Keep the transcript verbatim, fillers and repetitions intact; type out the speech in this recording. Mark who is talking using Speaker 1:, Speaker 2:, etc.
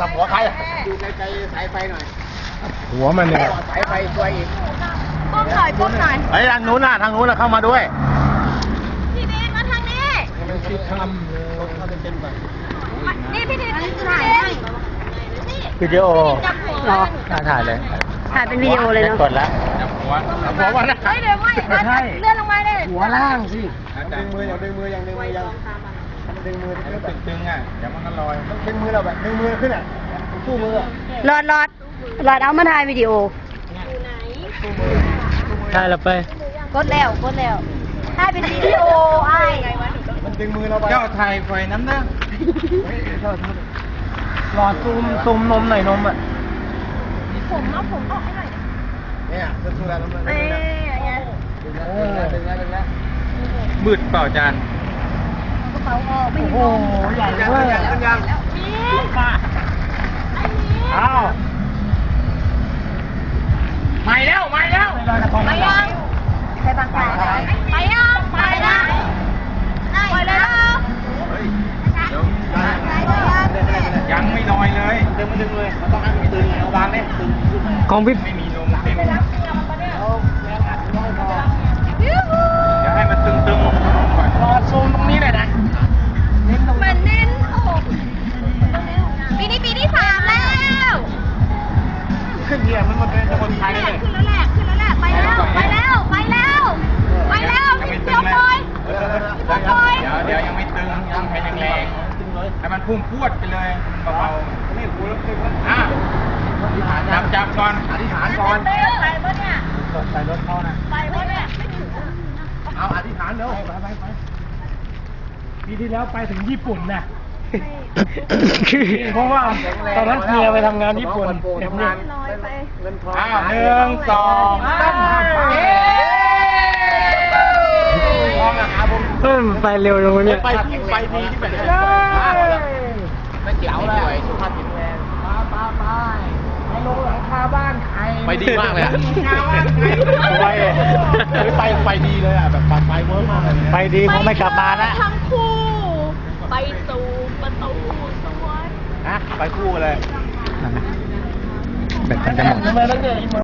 Speaker 1: กับหัวใคร
Speaker 2: ดูไกลๆสายไฟหน่อย
Speaker 1: หัวมันเนี่ย
Speaker 2: สายไฟช่วยอีก
Speaker 3: ก้มหน่อยก้มหน่อย
Speaker 1: ไอ้ทางนู้นน่ะทางนู้นน่ะเข้ามาด้วย
Speaker 3: พี่ดีมาทางนี้
Speaker 1: มันคิดทำเลยเข้าเต็มๆก่อน
Speaker 3: นี่พี่ดีถ่ายให้นี่
Speaker 1: วิดีโอ
Speaker 3: จับหัว
Speaker 4: เหรอ
Speaker 1: น่าถ่ายเลย
Speaker 4: ถ่ายเป็นวิดีโอเลยเนาะ
Speaker 1: กดแล้วจับหัวจับหัวมันนะ
Speaker 3: เฮ้ยเดี๋ยวไม่เลื่อนลงมาเลย
Speaker 1: หัวล่างสิ
Speaker 2: ดึงมืออย่างดึงมืออย่างดึงมืออย่างดึงมือ
Speaker 1: ให้มันตึงๆอ่ะเดี๋ยวมันก็ลอย
Speaker 2: ดึงมือเราแบบดึงมือขึ้นอ่ะสู้มืออ่ะ
Speaker 4: หลอดหลอดหลอดเอามาถ่ายวิดีโอ
Speaker 1: ใช่แล้วไป
Speaker 3: กดแล้วกดแล้วถ่ายเป็นวิดีโอไอ้
Speaker 2: มันดึงมือเราไป
Speaker 1: เจ้าไทยไฟน้ำนะรอซูมซูมนมหน่อยนมอ่ะ
Speaker 3: ผมเอาผมออกให้หน่อย
Speaker 2: เนี่ยสู้แล้วมัน
Speaker 3: เอ้ยอย่างเงี้ย
Speaker 2: ดึงแล้วดึงแล้วดึงแล้ว
Speaker 1: มืดเปล่าจาน
Speaker 3: กระเป๋าออกไม่
Speaker 1: โอ้
Speaker 3: มี
Speaker 1: โหใหญ่
Speaker 2: ยัง
Speaker 1: เลย
Speaker 2: ยังยัง
Speaker 3: มี
Speaker 1: มา
Speaker 3: ไอ้มี
Speaker 1: อ้าวไม่แล้วไม่แล้ว
Speaker 3: ไปยังไปบางแสนไปยังไปนะไปเลยนะ
Speaker 2: เฮ้ย
Speaker 1: ยังไม่ลอยเลย
Speaker 2: ดึงมันดึงเลยมันต้องให้มันตึงเอาวางเนี่ยตึงขึ้นมา
Speaker 1: ของพี่ไม่มีลมเต็ม
Speaker 2: เอาแรงอัดน้อยพอ
Speaker 3: ยูฮู
Speaker 1: เดี๋ยวให้มันตึงๆก่อนรอซูมตรงนี้เลยนะ
Speaker 3: เหมือนเน้นโอ้โหปีนี้ปีที่สามแล้ว
Speaker 2: ขึ้นเหยียบมันมาเป็นคนไทยเลย
Speaker 3: ขึ้นแล้วแหละขึ้นแล้วแหละไปแล้วไปแล้วไปแล้วไปแล้วพี่เดียวปล่อยพี่ปล่อย
Speaker 1: เดี๋ยวเดี๋ยวยังไม่ตึงยังเป็นแรงๆให้มันพุ่งพรวดไปเลยเบา
Speaker 2: ไม่หูแล้วตึงแล้ว
Speaker 1: ๆอ่ะจับจับก่อน
Speaker 2: อธิษฐานก่อน
Speaker 3: ไปไปปะเนี่ย
Speaker 1: ใส่รถเข้านะ
Speaker 3: ไปปะเนี่ย
Speaker 2: เอาอธิษฐานเร็วไปไปไป
Speaker 1: ปีที่แล้วไปถึงญี่ปุ่นน่ะเพราะว่าตอนนั้นเมียไปทำงานญี่ปุ่น
Speaker 2: ทำงานเงินทอง
Speaker 1: อ้าวหนึ่งสองสามพร้อมนะครับผม
Speaker 4: เพิ่มไปเร็วลงเนี่ย
Speaker 2: ไปที่ไปดีที่แบบไม่เจ๋วเลยสุขภาพแข็งแรงมาปาไปไปลงหลังคาบ้านใครไปดีมากเลยอ่ะไปไปไปดีเลยอ่ะแบบไปเวิร์กมากเลย
Speaker 1: ไปดีคงไม่กลับมานะ
Speaker 3: ทั้งคู่ ไปสู่ประตูสวรรค์
Speaker 2: นะไปคู่เลย
Speaker 1: แบตมันจะหมด